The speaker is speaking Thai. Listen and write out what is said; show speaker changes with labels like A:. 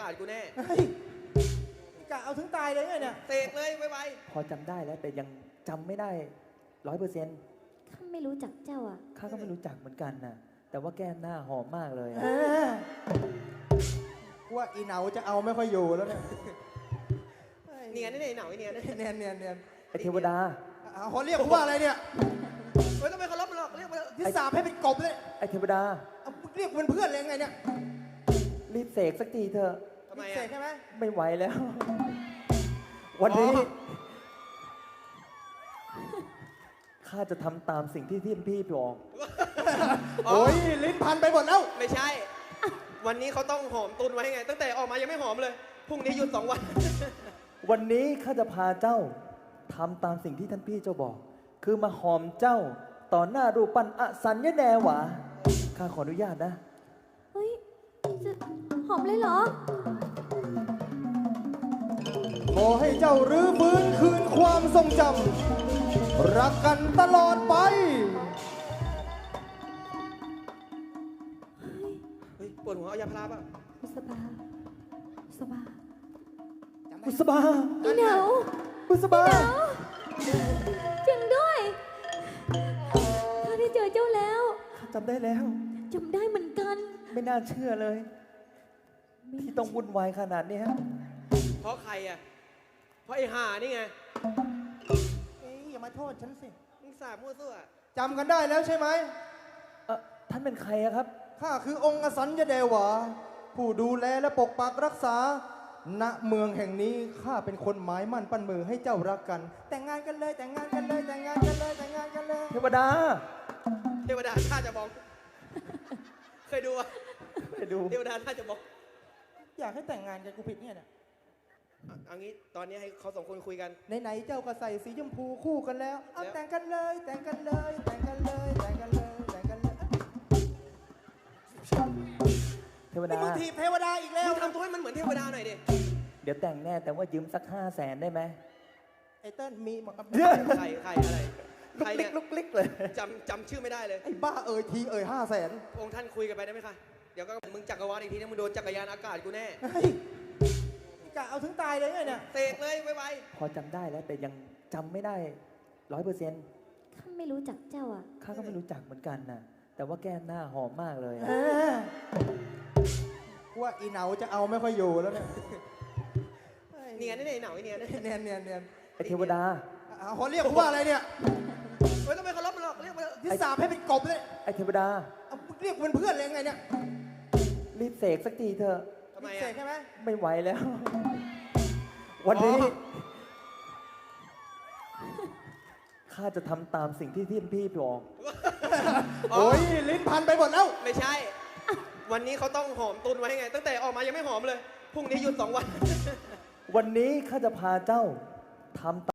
A: ศกูแน่
B: เฮ้ยกะเอาถึงตายเลยไงเนี่ย
A: เสกเลยไว
C: พอจำได้แล้วแต่ยังจำไม่ได้100%
D: ข้าไม่รู้จักเจ้าอ่ะ
C: ข้าก็ไม่รู้จักเหมือนกันนะแต่ว่าแก้มหน้าหอมมากเลย
B: เออว่าอีเหนาจะเอาไม่ค่อยอยู่แล้วเนี่ย
A: ๆเนียนนี่เหนาไอ้เนียน
B: เนียนเนียนเนียน
C: ไอเทวดา
B: เขาเรียกกูว่าอะไรเนี่ย
A: ไม่ต้องไปเคารพมันหรอกเรียกมา
B: ที่สาบให้เป็นกบเลย
C: ไอเทวดา
B: เอาเรียกเป็นเพื่อนเลยไงเนี่ย
C: รีบเสกสักทีเถอะ
A: ทำไม
B: เส
A: อ่ะ
B: กใช่ไหม
C: ไม่ไหวแล้ว วันนี้ข้าจะทำตามสิ่งที่พี่บอก
B: โอ้ยลิ้นพันไปหมดแล้ว
A: ไม่ใช่ วันนี้เขาต้องหอมตุนไว้ไง ตั้งแต่ออกมายังไม่หอมเลยพรุ่งนี้หยุด2 วัน
C: วันนี้ข้าจะพาเจ้าทำตามสิ่งที่ท่านพี่เจ้าบอก คือมาหอมเจ้าต่อหน้ารูปปั้นอสัญญแนหวาข้าขออนุญาตนะ
D: เฮ้ยจะหอมเลยเหรอ
B: ขอให้เจ้ารื้อฟื้นคืนความทรงจำรักกันตลอดไป
A: เฮ้ยปวดหัวเอายาพาราป่ะ
D: บุษบาบุษบา
C: บุษบา
D: อีเหนา
C: บุษบา
D: จริงด้วยข้าได้เจอเจ้าแล้ว
C: ข้าจำได้แล้ว
D: จำได้เหมือนกัน
C: ไม่น่าเชื่อเลย ที่ต้องวุ่นวายขนาดเนี้ย
A: เพราะใครอ่ะ เพราะไอ้ห่านี่ไง
B: เอ้ยอย่ามาโทษฉันสิ
A: มึงสาบมั่วซั่ว
B: จำกันได้แล้วใช่ไหม
C: ท่านเป็นใครอะครับ
B: ข้าคือองค์อสัญญเดวาผู้ดูแลและปกปักรักษา ณ เมืองแห่งนี้ข้าเป็นคนหมายมั่นปั้นมือให้เจ้ารักกัน แต่งงานกันเลย แต่งงานกันเลย แต่งงานกันเลย แต่งงานกันเลย
C: เทวดา
A: เทวดาท่าจะบอก เคยดูอ่ะ
C: ไปดู
A: เทวดาท่าจะบอก
B: อยากให้แต่งงานกันกูผิดเนี่ย
A: เอางี้ตอนนี้ให้เขา2 คนคุยกัน
B: ไหนๆเจ้าก็ใส่สีชมพูคู่กันแล้ว เอา
A: แล้ว
B: แต่งกันเลย แต่งกันเลย แต่งกันเลย แต่งกันเลย แต่งกันเลย
C: เทว
B: นี่
C: ดา
B: มึงถีบเทวดาอีกแล้ว
A: มึงทำตัวให้มันเหมือนเทวดาหน่อยดิ
C: เดี๋ยวแต่งแน่แต่ว่ายืมสัก500,000ได้ไหม
B: ไอ้เติ้ลมีหมด
A: ใครอะไร
C: ลุ
A: ใคร
C: กลิ
A: เนี่
C: ก
A: ย
C: ลุกลิกเลย
A: จำชื่อไม่ได้เลย
B: ไอ้บ้าเอ่ยทีเอ่ย500,000
A: องค์ท่านคุยกันไปได้ไหมคะ เดี๋ยวก็มึงจักรวาลอีกทีนะมึงโดนจักรยานอากาศกูแน่
B: เฮ้ยกะเอาถึงตายเลยไงเนี่ย
A: เสกเลยไว
C: พอจำได้แล้วแต่ยังจำไม่ได้100%
D: ข้าไม่รู้จักเจ้าอ่ะ
C: ข้าก็ไม่รู้จักเหมือนกันนะแต่ว่าแก้มหน้าหอมมากเลย
B: เออว่าอีเหนาจะเอาไม่ค่อยอยู่แล้วเนี่ย
A: ๆเนียนนี่เหนาไอ้เนียน
B: เนียนเนียนเนียน
C: ไอเทวดา
B: เขาเรียกกูว่าอะไรเนี่ย
A: ไม่ต้องไปเคารพมันหรอกเรียกมา
B: ที่สาบให้เป็นกบเลย
C: ไอเทวดา
B: เอาเรียกเป็นเพื่อนเลยไงเนี่ย
C: รีบเสกสักทีเถอะ
A: ทำไม
B: เส
A: อ่ะ
B: กใช่ไหม
C: ไม่ไหวแล้ว วันนี้ข้าจะทำตามสิ่งที่พี่บอก
B: โอ้ยลิ้นพันไปหมดแล้ว
A: ไม่ใช่ วันนี้เขาต้องหอมตุนไว้ไง ตั้งแต่ออกมายังไม่หอมเลยพรุ่งนี้หยุด2 วัน
C: วันนี้ข้าจะพาเจ้าทำ